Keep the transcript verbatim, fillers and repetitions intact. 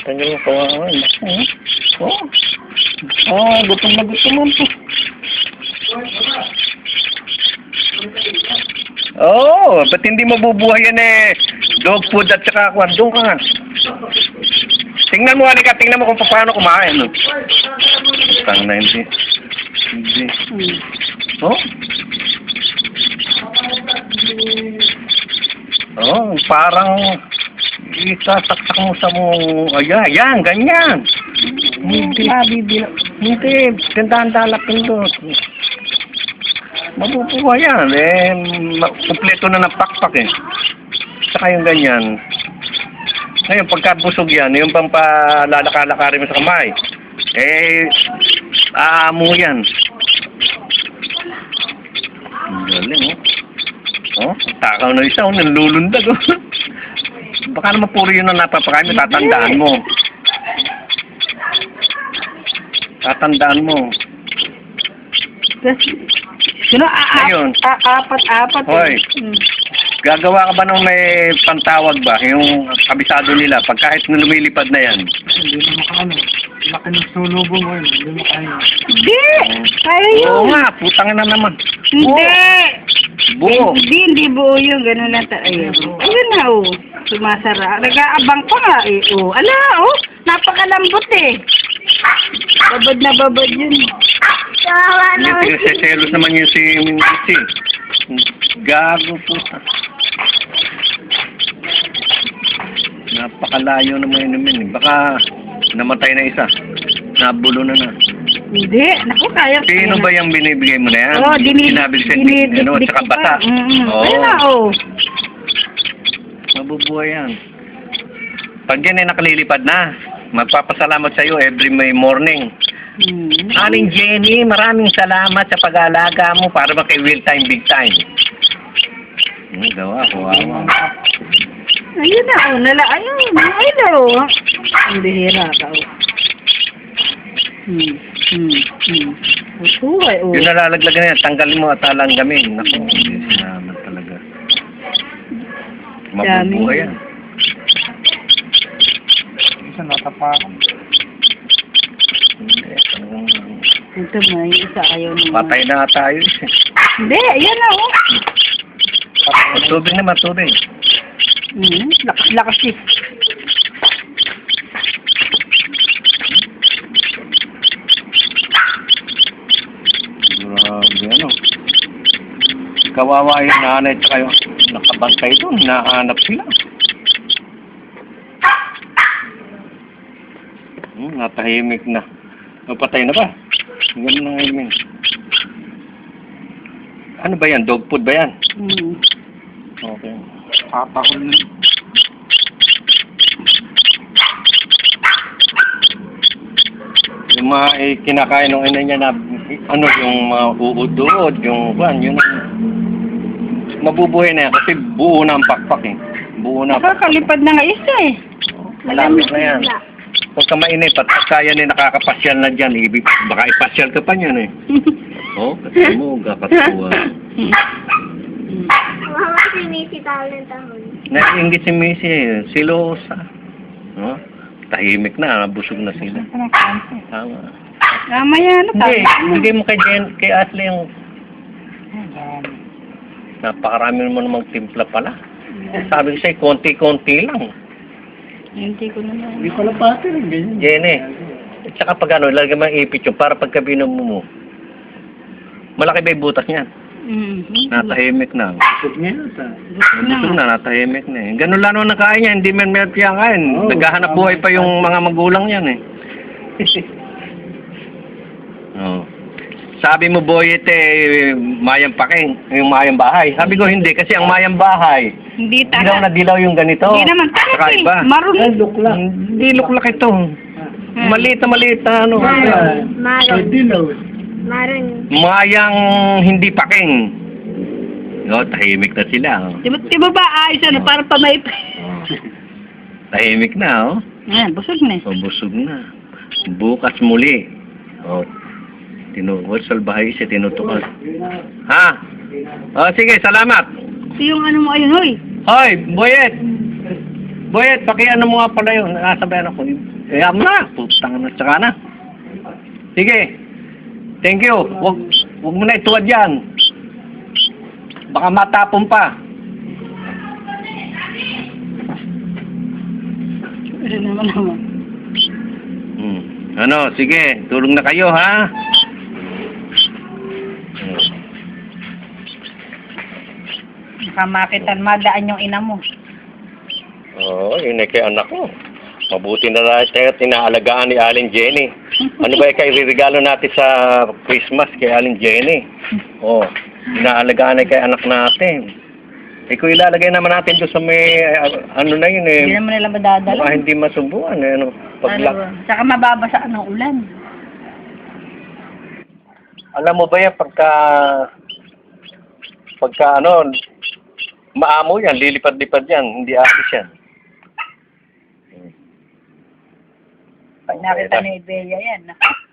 Tanggal mo kawawa. Oh. Oh, gutom na gutom mo po. Oh, ba't hindi mabubuhay yan eh? Dog food at saka kwan. Doon ka nga. Tingnan mo, halika. Tingnan mo kung paano kumain. No? Tang na hindi. Hindi. Oh? Oh, parang isasaksak mo sa mo. Ayan, ayan, ganyan. Hindi. Hindi. Tindahan dalapin doon. Mabubuhay yan. Eh, kumpleto na ng pakpak eh. Saka yung ganyan. Ngayon, pagkabusog yan, yung pang palalaka-lakarin mo sa kamay, eh, aamo yan. Ang galing, oh. Oh, takaw na isa, oh, nanlulundag, oh. Baka naman puro yun ang napapakain mo, tatandaan mo. Tatandaan mo. Sino? Apat-apat. Hoy. Hmm. Gagawa ka ba nung may pantawag ba? Yung kabisado nila, pag kahit na lumilipad na yan. Hindi na makaano. Laki ng sulubong mo yun. Hindi makaano. Hindi! Kaya yun. Oo nga, putang na naman. Hindi! Buo. Hindi, hindi buo yun. Ganun lang ta. Ayun. Ayun na, oh. Sumasara. Nag-aabang pa nga, eh. Oh. Ala, oh. Napakalambot, eh. Babad na babad yun. Kawawa Hindi, naman. pinagseselos naman yun si Mincy. Gago puta. Napakalayo naman yun naman. Baka namatay na isa. Nabulo na na. Hindi. Naku, kaya. Sino ba yung binibigay mo na yan? Oo, dinid... Sinabilsin, dinid... ano, tsaka bata. Mm-mm. Oo. Ayun na, oh. Mabubuhay yan. Pag yan ay nakalilipad na, magpapasalamat sa iyo every may morning. Hmm. Aling Jenny, maraming salamat sa pag-aalaga mo para ba kay Will Time, Big Time. Ano gawa, kawawa. Ayun na, oh. Nala, ayun. Ayun na, oh. Ang bihira ka, oh. Hmm. Hmm. Hmm. Usuhay, oh. Yung nalalaglag na yan, tanggalin mo at alanggamin. Naku, hindi sinaman talaga. Mabubuhay yan. Isa natapakan. Hindi, talagang... Ito mo, yung isa ayaw naman. Patay na tayo. Hindi, ayan na, oh. Tubig naman, tubig. Hmm. Lakas-lakas eh. Grabe, ano. Kawawa yung nanay at kayo. Nakabantay doon, nahanap sila. Hmm, natahimik na. Napatay na ba? Ganun na ngayon. Ano ba yan? Dog food ba yan? Hmm. Okay. Papakul na. Yung mga eh, kinakain ng ina niya na ano, yung mga uudod, yung kwan, yun mabubuhay na yan kasi buo na ang pakpak eh. Buo na. Nakakalipad na nga isa eh. Malapit na yan. Huwag ka mainip at kaya ni nakakapasyal na dyan. Ibig, baka ipasyal ka pa niyan eh. Oo, oh, kasi mo, kakatuwa. Mama si Missy talent ako. Naiingit si Missy eh. Silosa. No? Tahimik na, busog na sila. Tama. Mamaya ano pa? Hindi, bigay mo kay Jen, kay Ashley yung... Napakarami naman namang timpla pala. Sabi ko sa'yo, konti-konti lang. Hindi ko naman. Hindi pala pati rin ganyan. Jenny, at saka pag ano, lagay mo ang ipit yung para pagka binom mo, malaki ba yung butas niyan? Mm-hmm. Natahimik na. Busog niya yun sa... Busog na, natahimik na eh. Ganun lang naman nakain niya, hindi man meron siya kain. Oo, Naghahanap buhay pa yung mga magulang niyan eh. Oh. Sabi mo, Boyet, eh, mayang paking, yung mayang bahay. Sabi ko, hindi, kasi ang mayang bahay, Hindi dilaw taga. na dilaw yung ganito. Hindi naman taga Saka eh. iba. Maroon. Ay, luklak. Hindi luklak ito. Hmm. Maliit na maliit na ano. Maroon. Ay, Maroon. dilaw. Maroon. Mayang hindi paking. No, tahimik na sila. Oh. Di ba, di ba ba ayos ano, para pa may... Tahimik na, oh. Ayan, busog na eh. O, busog na. Bukas muli. O, tinuwal salbahay siya, tinutukan. Ha? O, sige, salamat. Ito yung ano mo ayun, hoy. Hoy, Boyet! Boyet, baki ano mo nga pala yun. Nasabayan ako yun. Kaya mo na. Putang na, tsaka na. Sige. Thank you. Wag, wag mo na ituwad yan. Baka matapon pa. Pero naman naman. Hmm. Ano, sige. Tulong na kayo, ha? Hmm. Baka makitan, madaan yung ina mo. Oo, yun ay kay anak ko. Mabuti na lang tayo at inaalagaan ni Aling Jenny. Ano ba yung kay regalo natin sa Christmas kay Aling Jenny? Oo, inaalagaan ay kay anak natin. Eh kung ilalagay naman natin doon sa may, uh, ano na yun eh. Hindi naman nila madadala. Baka hindi masubuan eh. Ano, Ano pagla- ba? Saka mababasa ng ulan. Alam mo ba yan, pagka, pagka ano, maamo yan, lilipad-lipad yan, hindi asis yan. Pag nakita ni Bea yan,